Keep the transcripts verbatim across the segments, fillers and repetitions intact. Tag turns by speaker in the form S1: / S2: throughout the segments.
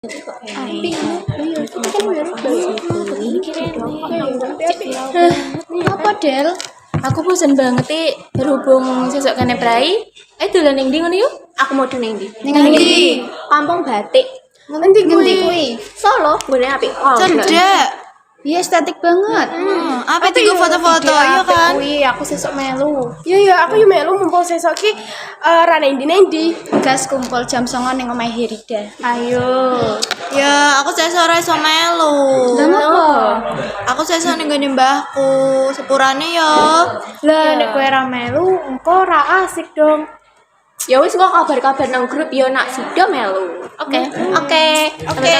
S1: Api, iya, kan
S2: Apa Del? Aku bosan banget nih berhubung sesuk kene prai. Eh dolan ning ndi ngono yuk?
S1: aku mau ning ndi?
S2: Ning ndi?
S1: Kampung Batik.
S2: Ngendi kuwi?
S1: Solo, ngene apik. Oh,
S3: Cendek.
S2: Iya estetik banget.
S3: Hmm, apa tiga foto-foto ya kan?
S1: Kuwi aku sesuk melu.
S4: Iya ya, aku yo melu mumpung sesuk ki eh ra nang ndi nang ndi.
S2: Gas kumpul jam songo ning omahe Herida.
S1: Ayo.
S3: Ya, aku sesuk ora iso melu.
S2: Lah ngopo?
S3: Aku sesuk ning gone mbahku, sepurane ya.
S4: Lah nek kowe ra melu, engko ra asik dong.
S1: Ya wis kok kabar-kabar nang grup yo nak sida melu. Oke. Oke. Oke.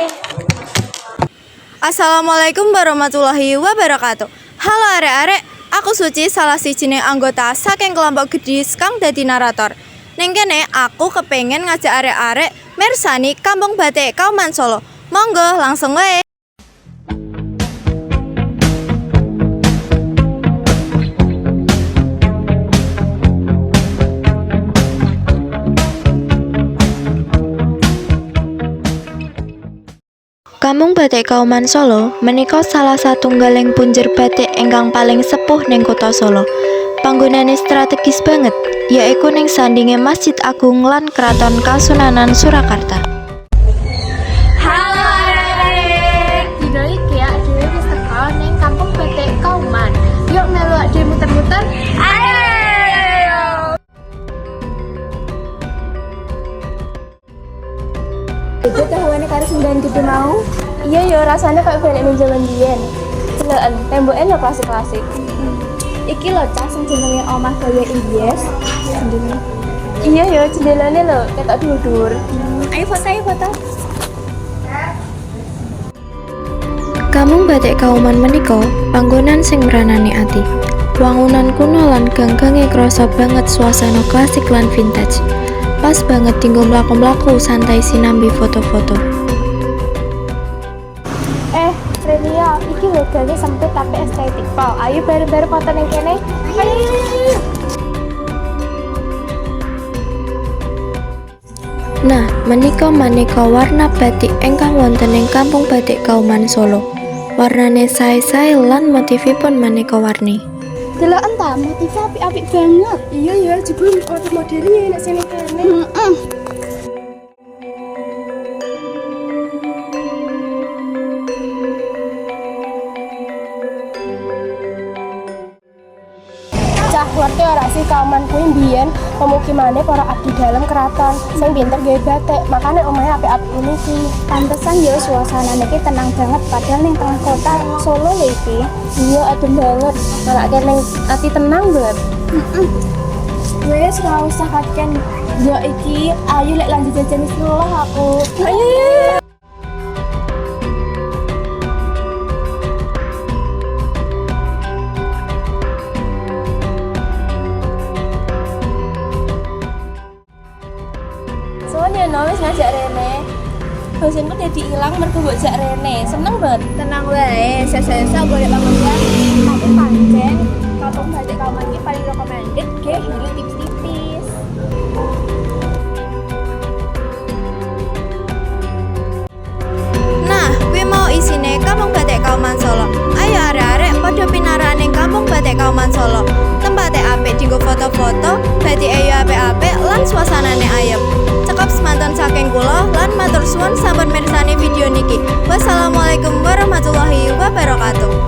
S3: Assalamualaikum warahmatullahi wabarakatuh. Halo arek-arek, aku Suci, salah sijining anggota saking kelompok Gedis kang dadi narator. Ning kene aku kepengen ngajak arek-arek mirsani Kampung Batik Kauman Solo. Monggo langsung wae. Kampung Batik Kauman Solo menika salah satunggaling punjer batik ingkang paling sepuh ning kota Solo. Panggonane strategis banget, yaiku ning sandinge Masjid Agung lan Kraton Kasunanan Surakarta.
S1: Halo arek-arek. Dino iki ya dhewe wis teko ning Kampung Batik Kauman. Yuk melu ade muter-muter. Ayo.
S4: Itu tahuane karo sembilan gitu mau. Iya yo, rasanya kayak balik ning jaman biyen. Deloken, temboke yo klasik-klasik. Iki lho cah sing jenenge omah gaya Inggris. Iya yo, jendelane lho ketok dhuwur. Ayo foto, ayo foto.
S3: Kampung Batik Kauman menika panggonan sing mranani ati. Wangunan kuno lan gang-gange krasa banget suasana klasik lan vintage. Pas banget tinggal mlaku-mlaku santai sinambi foto-foto.
S4: Eh, Relia, iki lho gange sempit tapi estetik pol. Ayo bareng-bareng foto ning kene. Ayo, ayo, ayo.
S3: Nah, menika maneka warna batik ingkang wonten ing Kampung Batik Kauman Solo. Warnane sae-sae lan motifipun maneka warni.
S4: Deloken ta, motifnya apik-apik banget. Iya ya, jebul model-modelnya nek sini kene. Heeh. Cah, ngerti ora sih Kauman kuwi mbiyen pemukimane para abdi dalam keraton sing pinter gawe batik. Makane omahe apik-apik ini sih.
S5: Pantesan ya suasananya ki tenang banget padahal ning tengah kota Solo lho iki.
S4: Iya, adem banget. Malah kene ati tenang banget.
S5: Heeh. Wes ora usah kaken.
S4: Ya iki, ayo lek lanjut jajan wis lelah aku. Ayo, ayo. Soalnya no, wis ngajak Rene. Bosenku jadi hilang mergo mbok jak Rene. Seneng banget.
S5: Tenang wae, sesa-sesa boleh banget. Tapi pancen Kampung Batik Kauman iki paling recommended ge hingga tipis-tipis.
S3: Nah, kuwi mau isine Kampung Batik Kauman Solo. Ayo arek-arek padha pinarahan ning Kampung Batik Kauman Solo. Tempate apik dienggo foto-foto, batike yo apik-apik lan suasanane ayem. Cekap semanten saking kula lan matur suwun sampun mirsani video niki. Wassalamualaikum warahmatullahi wabarakatuh.